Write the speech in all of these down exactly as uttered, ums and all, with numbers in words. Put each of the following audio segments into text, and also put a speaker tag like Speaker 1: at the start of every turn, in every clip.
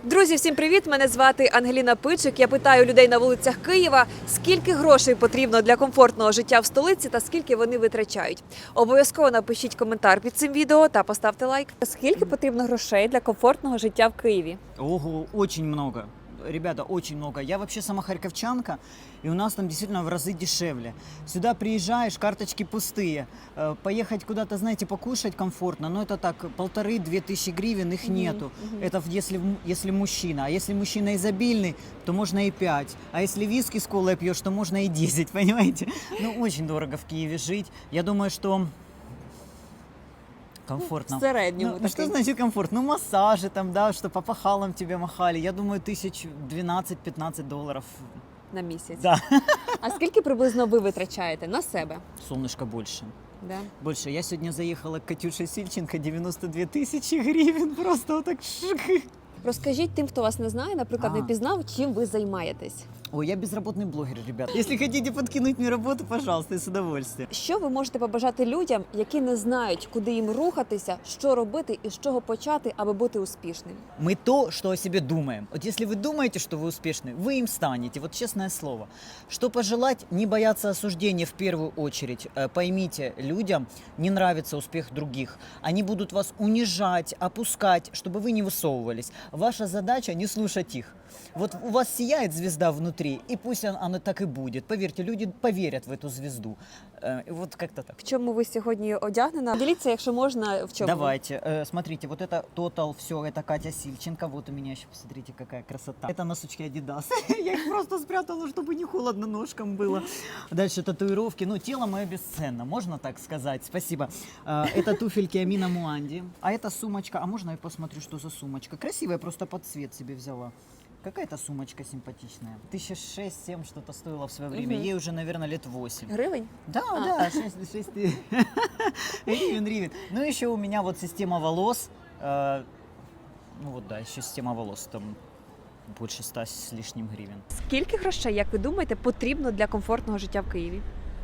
Speaker 1: Друзі, всім привіт! Мене звати Ангеліна Пичик. Я питаю людей на вулицях Києва, скільки грошей потрібно для комфортного життя в столиці та скільки вони витрачають. Обов'язково напишіть коментар під цим відео та поставте лайк. Скільки потрібно грошей для комфортного життя в Києві?
Speaker 2: Ого, очень много. Ребята, очень много. Я вообще сама харьковчанка, и у нас там действительно в разы дешевле. Сюда приезжаешь, карточки пустые. Э, Поехать куда-то, знаете, покушать комфортно, но это так, полторы-две тысячи гривен, их нету. Это в- если, м- если мужчина. А если мужчина изобильный, то можно и пять. А если виски с колой пьешь, то можно и десять, понимаете? Ну, очень дорого в Киеве жить. Я думаю, что комфортно.
Speaker 1: В середньому
Speaker 2: Ну, ну, что
Speaker 1: такий.
Speaker 2: значит комфорт? Ну, массажи там, да, что по пахалам тебе махали. Я думаю, тысяч двенадцать-пятнадцать долларов.
Speaker 1: На місяць.
Speaker 2: Да.
Speaker 1: А скільки приблизно ви витрачаєте на себе?
Speaker 2: Солнышко больше.
Speaker 1: Да?
Speaker 2: Больше. Я сегодня заехала к Катюше Сильченко, девяносто две тысячи гривен. Просто вот так шик.
Speaker 1: Розкажіть тим, хто вас не знає, наприклад,
Speaker 2: А.
Speaker 1: не пізнав, чим ви займаєтесь.
Speaker 2: Ой, я безработный блогер, ребят. Если хотите подкинуть мне работу, пожалуйста, с удовольствием.
Speaker 1: Що ви можете побажати людям, які не знають, куди їм рухатися, що робити і з чого почати, аби бути успішним?
Speaker 2: Мы то, что о себе думаем. Вот если вы думаете, что вы успешны, вы им станете. Вот честное слово. Что пожелать? Не бояться осуждения в первую очередь. Э, Поймите, людям не нравится успех других. Они будут вас унижать, опускать, чтобы вы не высовывались. Ваша задача не слушать их. Вот у вас сияет звезда внутри, и пусть он- оно так и будет. Поверьте, люди поверят в эту звезду. Э, и Вот как-то так.
Speaker 1: В чому ви сьогодні одягнена? Діліться, якщо можна, в чому.
Speaker 2: Давайте, э, смотрите, вот это Total, все, это Катя Сильченко, вот у меня еще, посмотрите, какая красота. Это носочки Adidas, я их просто спрятала, чтобы не холодно ножкам было. Дальше татуировки, ну, тело мое бесценно, можно так сказать, спасибо. Э, Это туфельки Амина Муанди, а это сумочка, а можно я посмотрю, что за сумочка? Красивая, просто под цвет себе взяла. Какая-то сумочка симпатичная. Тысяча шесть-семь что-то стоило в свое время,
Speaker 1: Мгм.
Speaker 2: ей уже, наверное, лет восемь.
Speaker 1: Гривень?
Speaker 2: Да,
Speaker 1: А.
Speaker 2: да, шесть гривен, гривен. Ну, еще у меня вот система волос. э, Ну вот, да, еще система волос, там больше ста с лишним гривен.
Speaker 1: Скільки грошей, як ви думаєте, потрібно для комфортного життя в Києві?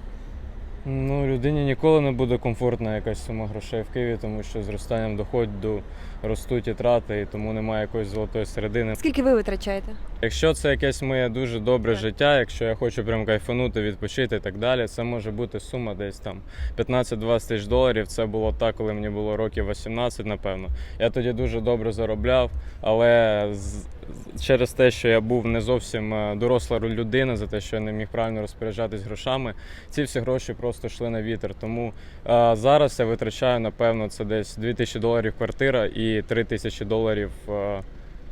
Speaker 3: Ну, людині ніколи не буде комфортна якась сума грошей в Києві, тому що зростанням доходу ростуть і трати, і тому немає якоїсь золотої середини.
Speaker 1: Скільки ви витрачаєте?
Speaker 3: Якщо це якесь моє дуже добре
Speaker 1: Так.
Speaker 3: життя, якщо я хочу прям кайфанути, відпочити і так далі, це може бути сума десь там п'ятнадцять-двадцять тисяч доларів. Це було так, коли мені було років вісімнадцять, напевно. Я тоді дуже добре заробляв, але з- через те, що я був не зовсім е, доросла людина, за те, що я не міг правильно розпоряджатись грошами, ці всі гроші просто йшли на вітер. Тому е, зараз я витрачаю, напевно, це десь дві тисячі доларів квартира і три тисячі доларів е,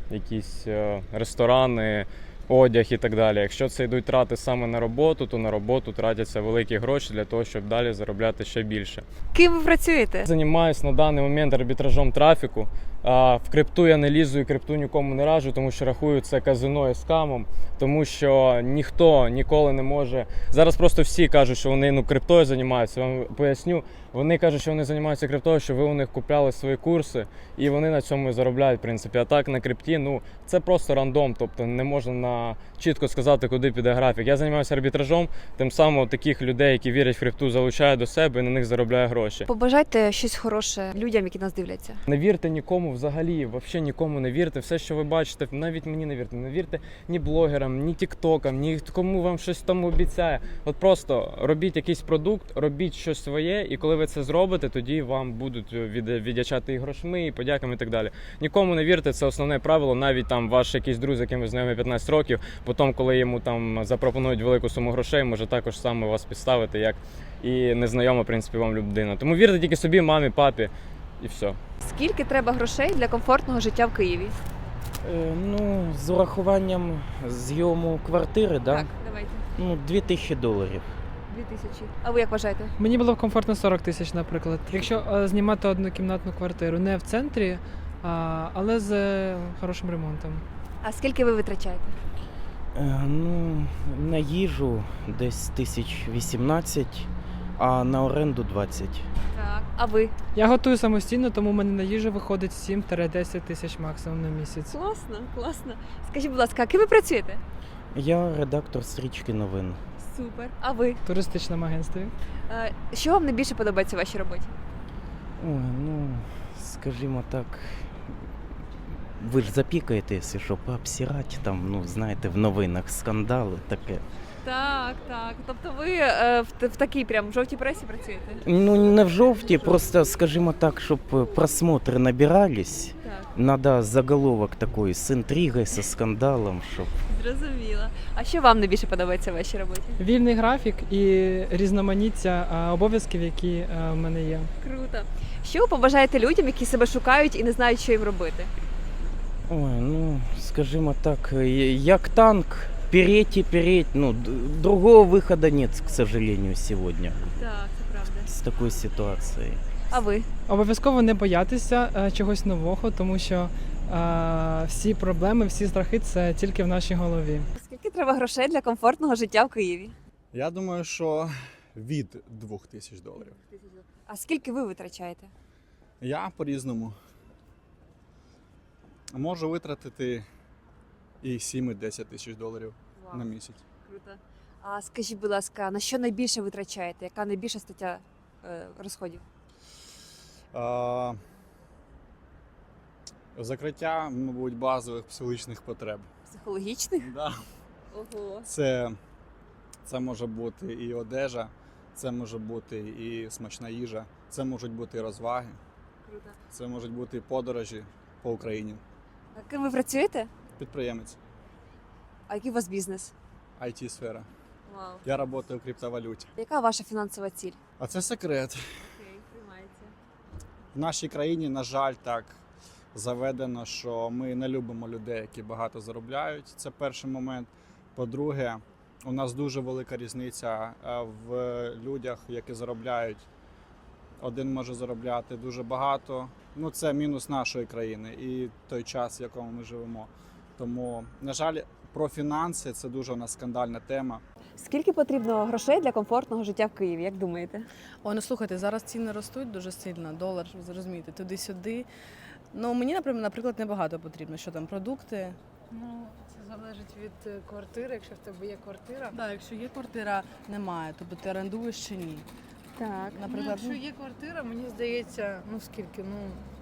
Speaker 3: якісь е, ресторани, одяг і так далі. Якщо це йдуть трати саме на роботу, то на роботу тратяться великі гроші для того, щоб далі заробляти ще більше.
Speaker 1: Ким ви працюєте?
Speaker 3: Займаюсь на даний момент арбітражом трафіку. А, В крипту я не лізу і крипту нікому не раджу, тому що рахую це казино і скамом, тому що ніхто ніколи не може. Зараз просто всі кажуть, що вони ну криптою займаються. Я вам поясню. Вони кажуть, що вони займаються криптою, що ви у них купляли свої курси, і вони на цьому і заробляють, в принципі. А так на крипті, ну це просто рандом, тобто не можна на чітко сказати, куди піде графік. Я займаюся арбітражом, тим самим таких людей, які вірять в крипту, залучаю до себе і на них заробляю гроші.
Speaker 1: Побажайте щось хороше людям, які нас дивляться.
Speaker 3: Не вірте нікому взагалі, взагалі нікому не вірте. Все, що ви бачите, навіть мені не вірте. Не вірте ні блогерам, ні тіктокам, ні кому вам щось там обіцяє. От просто робіть якийсь продукт, робіть щось своє, і коли ви це зробите, тоді вам будуть від- віддячати і грошми, і подяками, і так далі. Нікому не вірте, це основне правило. Навіть там ваш якийсь друг, з яким ви знайомі п'ятнадцять років, потім, коли йому там запропонують велику суму грошей, може також саме вас підставити, як і незнайома, в принципі, вам людина. Тому вірте тільки собі, мамі, папі, і все.
Speaker 1: Скільки треба грошей для комфортного життя в Києві?
Speaker 4: Е, Ну, з урахуванням зйому квартири, да?
Speaker 1: Так, давайте.
Speaker 4: Ну, дві тисячі доларів.
Speaker 1: Дві тисячі. А ви як вважаєте?
Speaker 5: Мені було б комфортно сорок тисяч, наприклад. Якщо е, знімати однокімнатну квартиру не в центрі, а, але з е, хорошим ремонтом.
Speaker 1: А скільки ви витрачаєте?
Speaker 4: Е, Ну, на їжу десь тисяч вісімнадцять, а на оренду двадцять.
Speaker 1: Так. А ви?
Speaker 5: Я готую самостійно, тому в мене на їжу виходить сім-десять тисяч максимум на місяць.
Speaker 1: Класно, класно. Скажіть, будь ласка, а ким ви працюєте?
Speaker 4: Я редактор стрічки новин.
Speaker 1: Супер. А ви?
Speaker 5: В туристичному агентстві.
Speaker 1: Е, Що вам найбільше подобається в вашій роботі?
Speaker 4: Ой, ну, скажімо так, ви ж запікаєте, якщо що, пообсирати, там, ну, знаєте, в новинах скандали таке.
Speaker 1: Так, так. Тобто ви е, в, в такій прям жовтій пресі працюєте?
Speaker 4: Ну, не в жовті, просто, скажімо так, щоб просмотри набирались,
Speaker 1: Так,
Speaker 4: надо заголовок такий з інтригою, зі скандалом, щоб...
Speaker 1: зрозуміла. А що вам найбільше подобається в вашій роботі?
Speaker 5: Вільний графік і різноманіття а, обов'язків, які а, в мене є.
Speaker 1: Круто. Що ви побажаєте людям, які себе шукають і не знають, що їм робити?
Speaker 4: Ой, ну, скажімо так, е, як танк, переть і переть, ну, д- другого виходу нет, к сожалению, сьогодні
Speaker 1: Так, це правда.
Speaker 4: з такою ситуацією.
Speaker 1: А ви?
Speaker 5: Обов'язково не боятися е, чогось нового, тому що е, всі проблеми, всі страхи це тільки в нашій голові.
Speaker 1: Скільки треба грошей для комфортного життя в Києві?
Speaker 6: Я думаю, що від двох тисяч доларів.
Speaker 1: А скільки ви витрачаєте?
Speaker 6: Я по-різному можу витратити і сім, і десять тисяч доларів на місяць.
Speaker 1: Круто. А скажіть, будь ласка, на що найбільше витрачаєте? Яка найбільша стаття е, розходів?
Speaker 6: А, закриття, мабуть, базових психологічних потреб.
Speaker 1: Психологічних?
Speaker 6: Да.
Speaker 1: Ого.
Speaker 6: Це, це може бути і одежа, це може бути і смачна їжа, це можуть бути і розваги,
Speaker 1: Круто.
Speaker 6: це можуть бути і подорожі по Україні.
Speaker 1: А ким ви працюєте?
Speaker 6: Підприємець,
Speaker 1: А який у вас бізнес?
Speaker 6: ай ті-сфера.
Speaker 1: Вау.
Speaker 6: Я працюю в криптовалюті.
Speaker 1: Яка ваша фінансова ціль?
Speaker 6: А це секрет.
Speaker 1: Окей, приймається.
Speaker 6: В нашій країні, на жаль, так заведено, що ми не любимо людей, які багато заробляють. Це перший момент. По-друге, у нас дуже велика різниця е, в людях, які заробляють. Один може заробляти дуже багато. Ну, це мінус нашої країни і той час, в якому ми живемо. Тому, на жаль, про фінанси це дуже у нас скандальна тема.
Speaker 1: Скільки потрібно грошей для комфортного життя в Києві, як думаєте?
Speaker 7: О, ну слухайте, зараз ціни ростуть дуже сильно, долар, ви зрозумієте, туди-сюди. Ну, мені, наприклад, наприклад, небагато потрібно, що там, продукти.
Speaker 8: Ну, це залежить від е, квартири, якщо в тебе є квартира.
Speaker 7: Так, якщо є квартира, немає, тобто ти орендуєш чи ні.
Speaker 1: Так.
Speaker 8: Ну,
Speaker 7: Наприклад,
Speaker 8: якщо є квартира, мені здається, ну скільки, ну,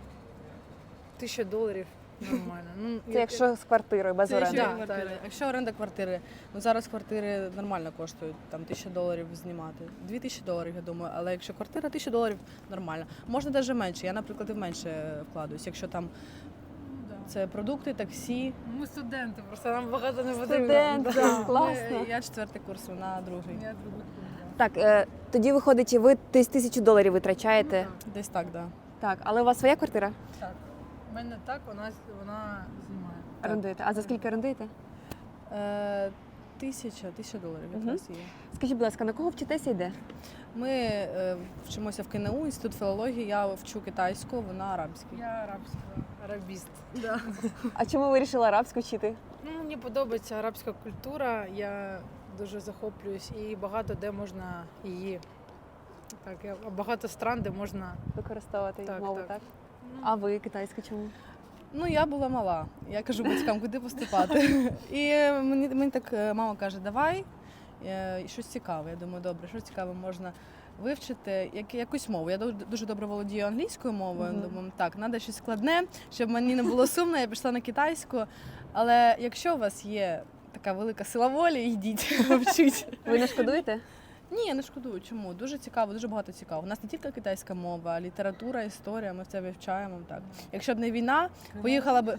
Speaker 8: тисяча доларів нормально. Ну,
Speaker 1: Це якщо з квартирою, без
Speaker 7: Це
Speaker 1: оренди.
Speaker 7: якщо,
Speaker 8: Да,
Speaker 7: квартири.
Speaker 8: так.
Speaker 7: якщо оренда квартири, ну зараз квартири нормально коштують, там тисяча доларів знімати. Дві тисячі доларів, я думаю, але якщо квартира, тисяча доларів нормально. Можна навіть менше, я, наприклад, і в менше вкладуюсь, якщо там
Speaker 8: Ну, да.
Speaker 7: це продукти, таксі.
Speaker 8: Ми студенти, просто нам багато не потрібно.
Speaker 1: Студенти,
Speaker 8: Да.
Speaker 1: класно.
Speaker 7: Ми- Я четвертий курс, вона другий.
Speaker 8: Я другий курс, да.
Speaker 1: Так, е, тоді виходить, ви тис- тисячу доларів витрачаєте.
Speaker 8: Ну,
Speaker 7: Десь так, да.
Speaker 1: Так, але у вас своя квартира?
Speaker 8: так. У мене так, вона, вона знімає.
Speaker 1: Орендуєте. А за скільки орендуєте?
Speaker 7: Е, тисяча, тисяча доларів
Speaker 1: Мгм.
Speaker 7: якраз є.
Speaker 1: Скажіть, будь ласка, на кого вчитеся йде?
Speaker 7: Ми е, вчимося в КНУ, інститут філології, я вчу китайську, вона арабську.
Speaker 8: Я арабська, арабіст. Да.
Speaker 1: А чому ви вирішили арабську вчити?
Speaker 8: Ну, мені подобається арабська культура, я дуже захоплююсь і багато де можна її. Так, я- багато стран, де можна.
Speaker 1: Використовувати
Speaker 8: Так,
Speaker 1: мову,
Speaker 8: так.
Speaker 1: так?
Speaker 8: Ну,
Speaker 1: А ви китайська чому?
Speaker 7: Ну, я була мала. Я кажу батькам, куди поступати. І мені, мені так е, мама каже, давай е, і щось цікаве. Я думаю, добре, що цікаве можна вивчити, як, якусь мову. Я ду- дуже добре володію англійською мовою.
Speaker 1: Мгм.
Speaker 7: Думаю, так, треба щось складне, щоб мені не було сумно, я пішла на китайську. Але якщо у вас є така велика сила волі, йдіть, вчіть.
Speaker 1: Ви не шкодуєте?
Speaker 7: Ні, я не шкодую. Чому? Дуже цікаво, дуже багато цікаво. У нас не тільки китайська мова, а література, історія, ми це вивчаємо. Так. Якщо б не війна, поїхала б.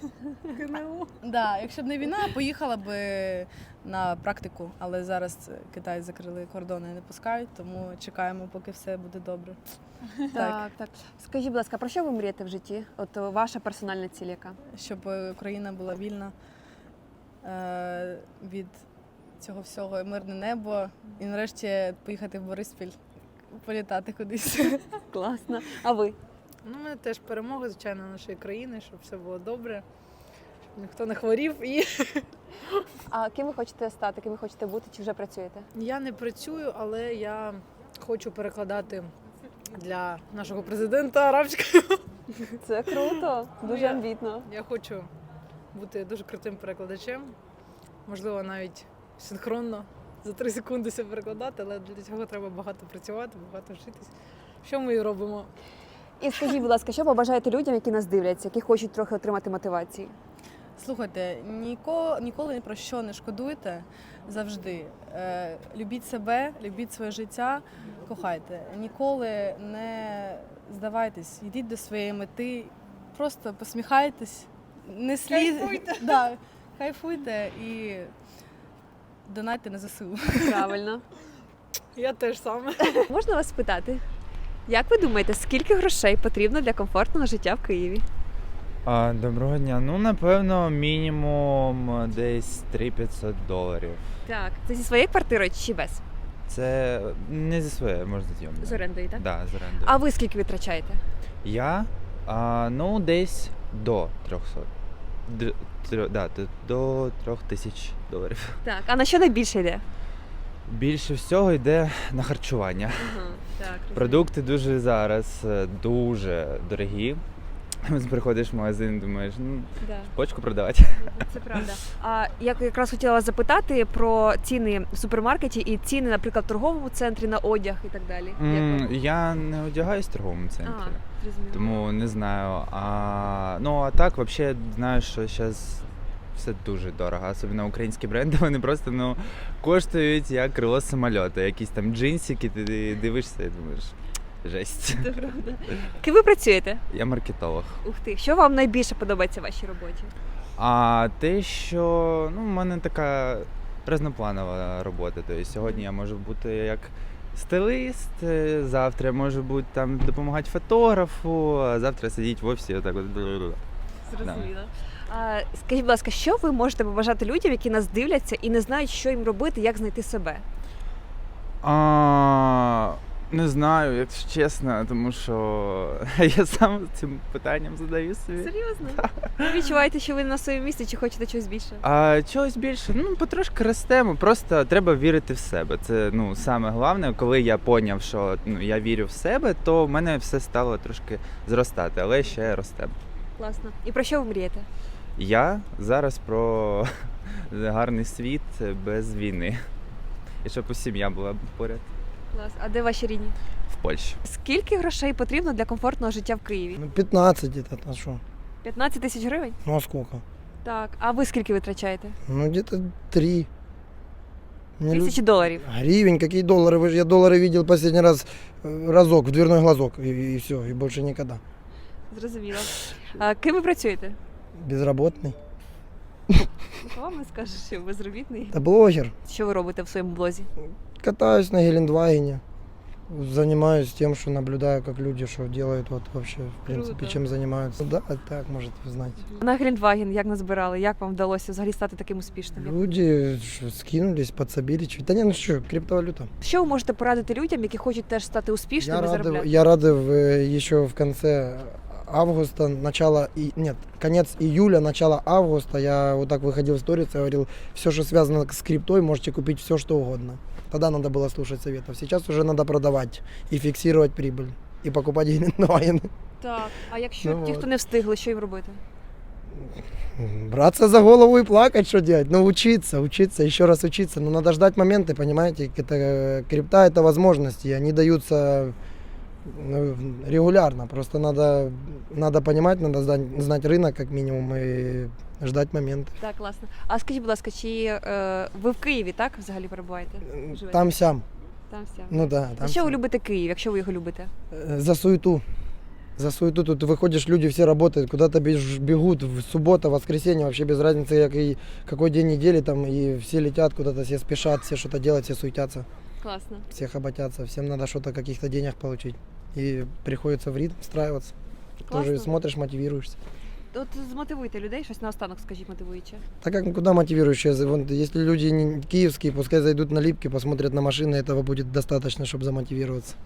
Speaker 7: Да, якщо б не війна, поїхала б на практику. Але зараз Китай закрили кордони і не пускають, тому чекаємо, поки все буде добре.
Speaker 1: Так, так. Скажіть, будь ласка, про що ви мрієте в житті? От о, ваша персональна ціль яка?
Speaker 7: Щоб Україна була вільна е, від цього всього, мирне небо, і нарешті поїхати в Бориспіль, політати кудись.
Speaker 1: Класно. А ви?
Speaker 8: Ну, у мене теж перемога, звичайно, нашої країни, щоб все було добре, щоб ніхто не хворів. І
Speaker 1: А ким ви хочете стати, ким ви хочете бути, чи вже працюєте?
Speaker 8: я не працюю, але я хочу перекладати для нашого президента арабською.
Speaker 1: Це круто, дуже
Speaker 8: я-
Speaker 1: амбітно.
Speaker 8: Я хочу бути дуже крутим перекладачем, можливо, навіть синхронно за три секунди все перекладати, але для цього треба багато працювати, багато вчитись. Що ми і робимо?
Speaker 1: І скажіть, будь ласка, що побажаєте людям, які нас дивляться, які хочуть трохи отримати мотивації?
Speaker 7: Слухайте, ніко, ніколи ні про що не шкодуйте завжди. Е, любіть себе, любіть своє життя, кохайте. Ніколи не здавайтесь, йдіть до своєї мети, просто посміхайтесь, не слід... Кайфуйте. Да, кайфуйте і донайте на ЗСУ.
Speaker 1: Правильно.
Speaker 8: Я теж саме.
Speaker 1: Можна вас спитати? Як ви думаєте, скільки грошей потрібно для комфортного життя в Києві?
Speaker 9: А, доброго дня. Ну, напевно, мінімум десь три п'ятсот доларів.
Speaker 1: Так. Це зі своєї квартири чи без?
Speaker 9: Це не зі своєї, можна зйомно.
Speaker 1: З орендою, так?
Speaker 9: Да, з орендою.
Speaker 1: А ви скільки витрачаєте?
Speaker 9: Я, а, ну, десь до трьохсот. Д, тр, да, д- до трьох тисяч доларів.
Speaker 1: Так. А на що найбільше йде?
Speaker 9: Більше всього йде на харчування.
Speaker 1: Ага, так.
Speaker 9: Продукти дуже зараз е, дуже дорогі. Приходиш в магазин, думаєш, ну,
Speaker 1: Да.
Speaker 9: почку продавати.
Speaker 1: Це правда. А я якраз хотіла вас запитати про ціни в супермаркеті і ціни, наприклад, в торговому центрі на одяг і так далі. Як
Speaker 9: М,
Speaker 1: вам?
Speaker 9: Я не одягаюсь в торговому центрі.
Speaker 1: А, зрозуміло.
Speaker 9: Тому не знаю. А, ну а так, взагалі, знаю, що зараз все дуже дорого. Особливо українські бренди, вони просто ну, коштують як крило самольоту. Якісь там джинсики, ти дивишся і думаєш, жесть.
Speaker 1: Це правда. Ким ви працюєте?
Speaker 9: Я маркетолог.
Speaker 1: Ух ти. Що вам найбільше подобається в вашій роботі?
Speaker 9: А те, що ну, в мене така різнопланова робота. Тобто сьогодні я можу бути як стилист, е, завтра я можу бути там допомагати фотографу, а завтра сидіти в офісі і отак от.
Speaker 1: Зрозуміло. А, скажіть, будь ласка, що ви можете побажати людям, які нас дивляться і не знають, що їм робити, як знайти себе?
Speaker 9: А, не знаю, якщо чесно, тому що я сам цим питанням задаю собі.
Speaker 1: Серйозно? Ви відчуваєте, що ви на своєму місці чи хочете чогось більше?
Speaker 9: А чогось більше, ну потрошки ростемо, просто треба вірити в себе. Це ну саме головне, коли я поняв, що ну я вірю в себе, то в мене все стало трошки зростати, але ще ростемо.
Speaker 1: Класно. І про що ви мрієте?
Speaker 9: Я зараз про гарний світ без війни. І щоб усі сім'я була поряд
Speaker 1: Клас. А де ваші рідні?
Speaker 9: в Польщі.
Speaker 1: Скільки грошей потрібно для комфортного життя в Києві?
Speaker 10: Ну, пятнадцать где-то, а что?
Speaker 1: п'ятнадцять тисяч гривень?
Speaker 10: Ну, а сколько?
Speaker 1: Так. А ви скільки витрачаєте?
Speaker 10: Ну, где-то три. Не лю-
Speaker 1: Тисячі доларів.
Speaker 10: Гривень, какие доллары? Вы же- Я доллары видел последний раз э, разок, в дверной глазок, и, и все, и больше никогда.
Speaker 1: Зрозуміло. А ким ви працюєте?
Speaker 10: Безработный.
Speaker 1: Вам не скажеш, що ви безробітний.
Speaker 10: Это блогер.
Speaker 1: Що ви робите в своєму блозі?
Speaker 10: Катаюсь на Гелендвагене. Занимаюсь тем, что наблюдаю, как люди что делают, вот вообще, в принципе,
Speaker 1: Круто.
Speaker 10: чем занимаются. Да, так, может, вы знаете.
Speaker 1: На Гелендваген як назбирали? Як вам вдалося взагалі стати таким успішним? Як-
Speaker 10: Люди что, скинулись, подсобили. чуть- Да не, ну что, криптовалюта.
Speaker 1: Що ви можете порадити людям, які хочуть теж стати
Speaker 10: Я
Speaker 1: успішними,
Speaker 10: рады,
Speaker 1: заробляти?
Speaker 10: я рады в, еще в конце августа, начало, и, нет, конец июля, начало августа, я вот так выходил в сторис и говорил, все, что связано с криптой, можете купить все, что угодно. Тогда надо было слушать советов. Сейчас уже надо продавать и фиксировать прибыль, и покупать гелендваген.
Speaker 1: Так. А якщо
Speaker 10: Ну
Speaker 1: ті,
Speaker 10: от.
Speaker 1: хто не встигли, що їм робити?
Speaker 10: Браться за голову и плакать, что делать? Ну, учиться, учиться, еще раз учиться. Но надо ждать моменты, понимаете? Это, э, крипта – это возможности, они даются ну, регулярно. Просто надо, надо понимать, надо знать, знать рынок как минимум и ждать моменты.
Speaker 1: Так, класно. А скажіть, будь ласка, чи е, ви в Києві, так, взагалі перебуваєте? Живете?
Speaker 10: Там-сям.
Speaker 1: Там все.
Speaker 10: Ну да,
Speaker 1: За
Speaker 10: там
Speaker 1: що ви любите Київ, якщо ви його любите?
Speaker 10: Э, За суету. За суету. Тут выходишь, люди все работают, куда-то беж- бегут, в суббота, воскресенье, вообще без разницы, какой, какой день недели, там, и все летят куда-то, все спешат, все что-то делать, все суетятся,
Speaker 1: Класно.
Speaker 10: все хоботятся, всем надо что-то, каких-то денег получить. И приходится в ритм встраиваться. Тоже
Speaker 1: Классно.
Speaker 10: смотришь, мотивируешься.
Speaker 1: От змотивуйте людей, щось наостанок, скажіть, мотивуюче.
Speaker 10: Так как куда мотивирующее? Вон, если люди не киевские, пускай зайдут на Липки, посмотрят на машины, этого будет достаточно, чтобы замотивироваться.